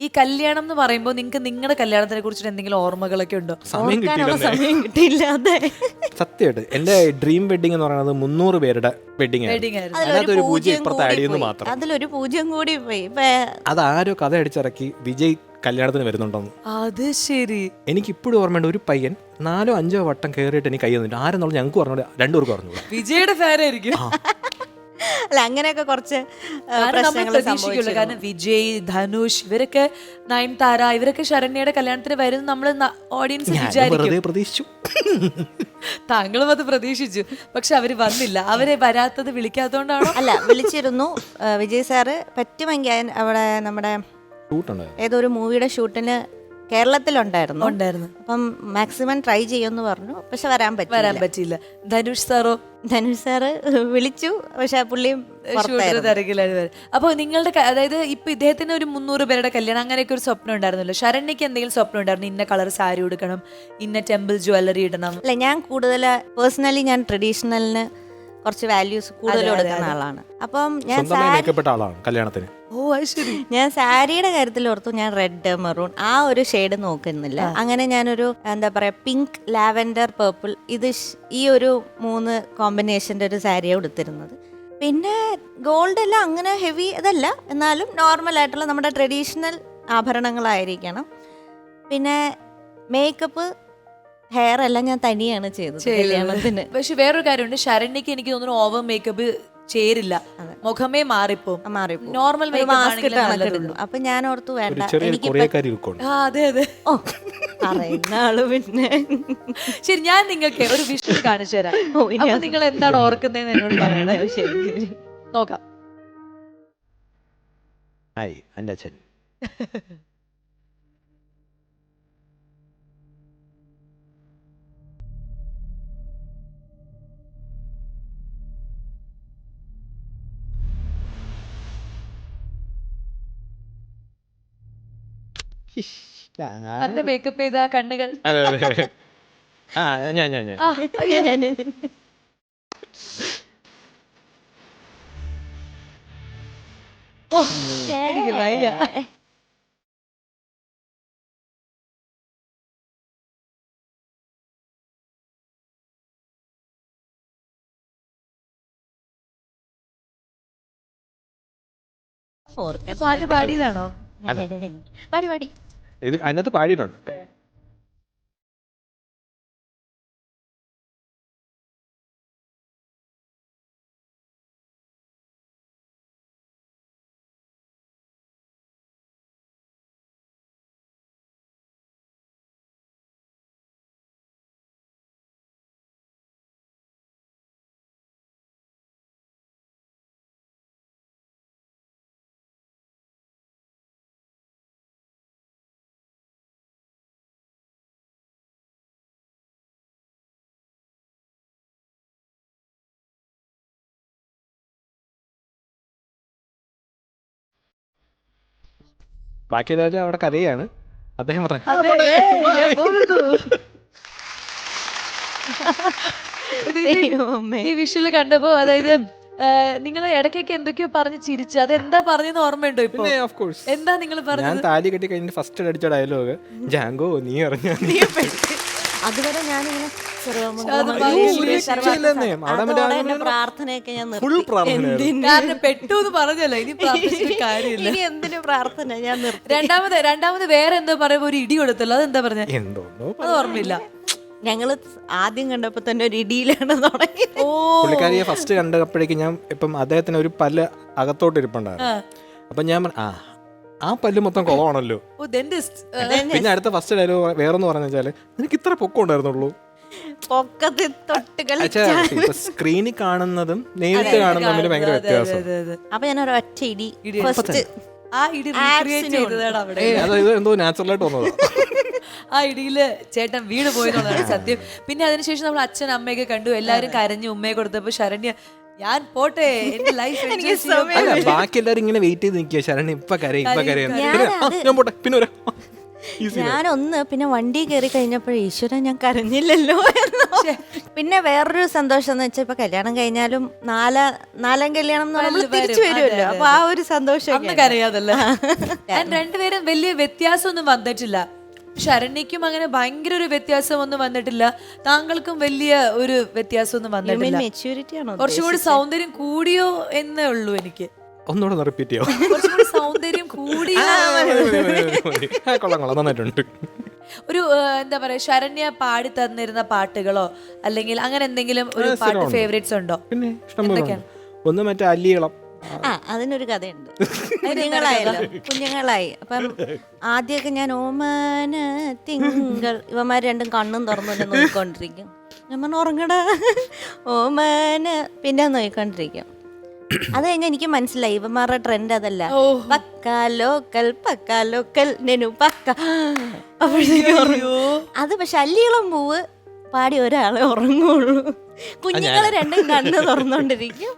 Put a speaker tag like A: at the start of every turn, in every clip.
A: ഈ കല്യാണം എന്ന് പറയുമ്പോൾ നിങ്ങൾക്ക് നിങ്ങളുടെ കല്യാണത്തിനെ കുറിച്ചിട്ട് എന്തെങ്കിലും ഓർമ്മകളൊക്കെ ഉണ്ടോ?
B: സമയം
C: സമയം കിട്ടിയില്ല. അതെ,
B: സത്യമായിട്ട് എന്റെ ഡ്രീം വെഡിങ് എന്ന് പറയുന്നത് 300 പേരുടെ വെഡിങ്
A: വെഡിങ് ആയിരുന്നു.
B: അതിനകത്ത് ഒരു പൂജ്യം ഇപ്പുറത്ത് ആഡ് ചെയ്യുന്നു മാത്രം.
C: അതിലൊരു പൂജ്യം കൂടി പോയി.
B: അതാരോ കഥ അടിച്ചിറക്കി വിജയ് കല്യാണത്തിന് വരുന്നുണ്ടെന്ന്.
A: അത് ശരി.
B: എനിക്ക് ഇപ്പോഴും ഓർമ്മയുണ്ട്, ഒരു പയ്യൻ 4-5 വട്ടം കയറിയിട്ട് എനിക്ക് കൈ തന്നിട്ട് ആരെന്നുള്ള ഞങ്ങൾക്ക് പറഞ്ഞു, 2 പേർക്ക് പറഞ്ഞു.
A: വിജയുടെ ഫാനായിരിക്കും.
C: അല്ല, അങ്ങനെയൊക്കെ കുറച്ച് പ്രശ്നങ്ങൾ സംഭവിച്ചു.
A: കാരണം വിജയ്, ധനുഷ്, ഇവരൊക്കെ നയൻതാര, ഇവരൊക്കെ ശരണ്യയുടെ കല്യാണത്തിന് വരും നമ്മൾ ഓഡിയൻസ് വിചാരിക്കും.
B: പ്രതീക്ഷിച്ചു,
A: താങ്കളും അത് പ്രതീക്ഷിച്ചു. പക്ഷെ അവര് വന്നില്ല. അവരെ വരാത്തത് വിളിക്കാത്തതുകൊണ്ടാണോ?
C: അല്ല, വിളിച്ചിരുന്നു വിജയ് സാറ്. പറ്റുമെങ്കിൽ അവിടെ നമ്മുടെ ഏതോ ഒരു മൂവിയുടെ ഷൂട്ടിന് കേരളത്തിലുണ്ടായിരുന്നു. അപ്പം മാക്സിമം ട്രൈ ചെയ്യുമെന്ന് പറഞ്ഞു. പക്ഷെ വരാൻ പറ്റില്ല.
A: ധനുഷ് സാറോ?
C: ധനുഷ് സാറ് വിളിച്ചു, പക്ഷെ പുള്ളിയും
A: തിരക്കിലാണ്. അപ്പൊ നിങ്ങളുടെ അതായത് ഇപ്പൊ ഇദ്ദേഹത്തിന് ഒരു 300 പേരുടെ കല്യാണം അങ്ങനെയൊക്കെ ഒരു സ്വപ്നം ഉണ്ടായിരുന്നല്ലോ. ശരണ്യക്ക് എന്തെങ്കിലും സ്വപ്നം ഉണ്ടായിരുന്നു? ഇന്ന കളർ സാരി ഉടുക്കണം, ഇന്ന ടെമ്പിൾ ജ്വല്ലറി ഇടണം?
C: അല്ല, ഞാൻ കൂടുതൽ പേഴ്സണലി ഞാൻ ട്രഡീഷണലിന് കുറച്ച് വാല്യൂസ് കൂടുതൽ കൊടുക്കുന്ന ആളാണ്. അപ്പം ഞാൻ സാരിയുടെ കാര്യത്തിൽ ഓർത്തു ഞാൻ റെഡ്, മെറൂൺ ആ ഒരു ഷെയ്ഡ് നോക്കുന്നില്ല. അങ്ങനെ ഞാനൊരു എന്താ പറയാ, പിങ്ക്, ലാവൻഡർ, പേർപ്പിൾ, ഇത് ഈ ഒരു 3 കോമ്പിനേഷൻ്റെ ഒരു സാരിയാണ് ഉടുത്തിരുന്നത്. പിന്നെ ഗോൾഡ് എല്ലാം അങ്ങനെ ഹെവി അതല്ല, എന്നാലും നോർമൽ ആയിട്ടുള്ള നമ്മുടെ ട്രഡീഷണൽ ആഭരണങ്ങളായിരിക്കണം. പിന്നെ മേക്കപ്പ്, ഹെയർ എല്ലാം ഞാൻ തനിയാണ് ചെയ്തത് കല്യാണത്തിന്.
A: പക്ഷെ വേറൊരു കാര്യമുണ്ട്, ശരണ്യക്ക് എനിക്ക് തോന്നുന്നു ഓവർ മേക്കപ്പ് ചേരില്ല, മുഖമേ മാറിപ്പോ നോർമൽ
C: മാസ്ക് ഇട്ടുള്ളൂ. അപ്പൊ ഞാൻ ഓർത്തു വേണ്ട, എനിക്ക്
A: അതെ അതെ
C: പറയുന്ന ആള്. പിന്നെ
A: ശരി, ഞാൻ നിങ്ങൾക്ക് ഒരു വിഷ്വൽ കാണിച്ചു തരാം. അപ്പൊ നിങ്ങൾ എന്താണ് ഓർക്കുന്നതെന്ന് എന്നോട് പറയണേ.
C: ശരി,
A: നോക്കാം.
B: എൻ്റെ അച്ഛൻ
A: അതിന്റെ മേക്കപ്പ് ചെയ്ത കണ്ണുകൾ. എനിക്ക് വയ്യ. പാട്ട് പാടിയതാണോ?
C: പാടി
B: ഇത് അതിനകത്ത് പാടിയിട്ടുണ്ട്. ബാക്കി എല്ലാവരും അവിടെ കരയാണ്. അദ്ദേഹം പറഞ്ഞു
A: ഈ വിഷ്വല് കണ്ടപ്പോ, അതായത് നിങ്ങൾ ഇടയ്ക്കൊക്കെ എന്തൊക്കെയോ പറഞ്ഞ് ചിരിച്ചു. അതെന്താ പറഞ്ഞെന്ന് ഓർമ്മയുണ്ടോ? ഇപ്പൊ എന്താ നിങ്ങൾ പറഞ്ഞത്?
B: ഞാൻ താലി കെട്ടി കഴിഞ്ഞിട്ട് ഫസ്റ്റ് അടിച്ച ഡയലോഗ് ജാങ്കോ നീ അറിഞ്ഞ.
C: അതുവരെ ഞാനിങ്ങനെ പ്രാർത്ഥനയൊക്കെ ഞാൻ
A: കാരണം പെട്ടു എന്ന് പറഞ്ഞല്ലോ, ഇനി പ്രാർത്ഥിച്ചിട്ട് കാര്യമില്ല.
C: ഇനി എന്തിനു പ്രാർത്ഥന ഞാൻ നിർത്തി.
A: രണ്ടാമത് വേറെ എന്തോ പറയുമ്പോ ഒരു ഇടി കൊടുത്തല്ലോ, അതെന്താ പറഞ്ഞ? അത് ഓർമ്മയില്ല.
C: ഞങ്ങള് ആദ്യം കണ്ടപ്പോ തന്നെ ഒരു ഇടിയിലാണ് തുടങ്ങിയത്.
B: പുള്ളിക്കാരിയെ ഫസ്റ്റ് കണ്ടപ്പോഴേക്കും ഞാൻ ഇപ്പം അദ്ദേഹത്തിന് ഒരു പല്ല് അകത്തോട്ട് ഇരിപ്പുണ്ടായിരുന്നു. അപ്പൊ ഞാൻ ആ പല്ല് മൊത്തം കുളമാണല്ലോ. പിന്നെ അടുത്ത ഫസ്റ്റ് ഡയലോഗ് വേറെന്ന് പറഞ്ഞു വെച്ചാല് നിനക്ക് ഇത്ര പൊക്കം ഉണ്ടായിരുന്നുള്ളൂ. സ്ക്രീനിൽ കാണുന്നതും നേരിട്ട് കാണുന്നതും തമ്മിൽ ഭയങ്കര വ്യത്യാസം.
C: അപ്പൊ ഞാൻ ഒരു ഒറ്റ ഇടി
B: എന്തോ നാച്ചുറലായിട്ട് വന്നതാ.
A: ആ ഇടിയില് ചേട്ടൻ വീട് പോയെന്നുള്ളതാണ് സത്യം. പിന്നെ അതിനുശേഷം നമ്മൾ അച്ഛൻ അമ്മയൊക്കെ കണ്ടു, എല്ലാരും കരഞ്ഞു ഉമ്മയെ കൊടുത്തപ്പോ ശരണ്യ ഞാൻ പോട്ടെ എന്റെ ലൈഫ്.
B: ബാക്കി എല്ലാരും ഇങ്ങനെ വെയിറ്റ് ചെയ്ത് നിൽക്കുക, ശരണ്യ ഇപ്പൊ കരയും ഇപ്പൊ കരയും, ഞാൻ പോട്ടെ പിന്നെ
C: ഞാനൊന്ന് പിന്നെ വണ്ടി കയറി കഴിഞ്ഞപ്പോൾ ഈശ്വരൻ ഞാൻ കരഞ്ഞില്ലല്ലോ എന്ന്. പിന്നെ വേറൊരു സന്തോഷം എന്ന് വെച്ചാൽ ഇപ്പൊ കല്യാണം കഴിഞ്ഞാലും നാലാം കല്യാണം എന്ന് നമ്മൾ തിരിച്ചു വരുമല്ലോ. അപ്പൊ ആ ഒരു സന്തോഷം
A: അന്നൊക്കെ അറിയാതല്ലേ. രണ്ടുപേരും വലിയ വ്യത്യാസമൊന്നും വന്നിട്ടില്ല. ശരണ്യക്കും അങ്ങനെ ഭയങ്കര ഒരു വ്യത്യാസമൊന്നും വന്നിട്ടില്ല, താങ്കൾക്കും വലിയ ഒരു വ്യത്യാസമൊന്നും വന്നിട്ടില്ല.
C: മെച്യൂരിറ്റി ആണോ?
A: കുറച്ചുകൂടി സൗന്ദര്യം കൂടിയോ എന്നേ ഉള്ളൂ എനിക്ക്.
B: ഒന്നുകൂടെ റിപ്പീറ്റ് ചെയ്യോ?
A: കുറച്ചുകൂടി സൗന്ദര്യം കൂടിയോ.
B: കൊള്ളാം നന്നായിട്ടുണ്ട്.
A: ഒരു എന്താ പറയാ, ശരണ്യ പാടി തന്നിരുന്ന പാട്ടുകളോ അല്ലെങ്കിൽ അങ്ങനെ എന്തെങ്കിലും ഒരു പാട്ട് ഫേവറേറ്റ്സ് ഉണ്ടോ?
B: പിന്നെ ഇഷ്ടംപോലെ. ഒന്ന് മറ്റേ അല്ലിയളം.
C: അതിനൊരു കഥയുണ്ട്. കുഞ്ഞുങ്ങളായി അപ്പം ആദ്യമൊക്കെ ഞാൻ ഓമന തിങ്കൾ ഇവന്മാർ രണ്ടും കണ്ണും തുറന്നുകൊണ്ട് നോക്കിക്കൊണ്ടിരിക്കും. ഞാൻ പറഞ്ഞു ഉറങ്ങടാ ഓമന, പിന്നെ നോക്കിക്കൊണ്ടിരിക്കും. അത് കഴിഞ്ഞാൽ എനിക്ക് മനസ്സിലായി ഇവന്മാരുടെ ട്രെൻഡ് അതല്ല. പക്ക ലോക്കൽ നെനു പക്ക. അത് പക്ഷെ അല്ലിയളം പൂവ് പാടി ഒരാളെ ഉറങ്ങുള്ളൂ. കുഞ്ഞുങ്ങളെ രണ്ടും കണ്ണ് തുറന്നോണ്ടിരിക്കും.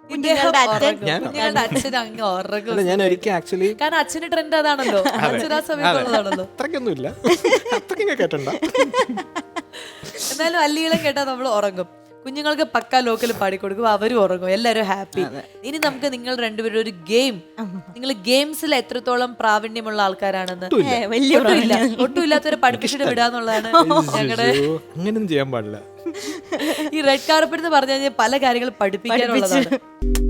A: അച്ഛൻ അങ്ങ് ഉറങ്ങും.
B: ഞാൻ ഒരിക്കൽ ആക്ച്വലി,
A: കാരണം അച്ഛന്റെ ട്രെൻഡ് അതാണല്ലോ, അച്ഛൻ ആ സമയത്തുള്ളതാണല്ലോ.
B: അത്രയ്ക്കൊന്നുമില്ല, അത്രയ്ക്കൊക്കെ കേട്ടണ്ട.
A: എന്നാലും അല്ലികളും കേട്ടാൽ നമ്മൾ ഉറങ്ങും. കുഞ്ഞുങ്ങൾക്ക് പക്ക ലോക്കൽ പാടിക്കൊടുക്കും, അവരും ഉറങ്ങും, എല്ലാവരും ഹാപ്പി. ഇനി നമുക്ക് നിങ്ങൾ രണ്ടുപേരും ഒരു ഗെയിം, നിങ്ങൾ ഗെയിംസിൽ എത്രത്തോളം പ്രാവീണ്യമുള്ള ആൾക്കാരാണെന്ന് ഒട്ടുമില്ലാത്തവരെ പഠിപ്പിച്ചിട്ട് വിടാന്നുള്ളതാണ് ഞങ്ങളുടെ.
B: അങ്ങനെയൊന്നും ചെയ്യാൻ പാടില്ല.
A: ഈ റെഡ് കാർപ്പറ്റ് എന്ന് പറഞ്ഞു കഴിഞ്ഞാൽ പല കാര്യങ്ങൾ പഠിപ്പിക്കാനുള്ളതാണ്.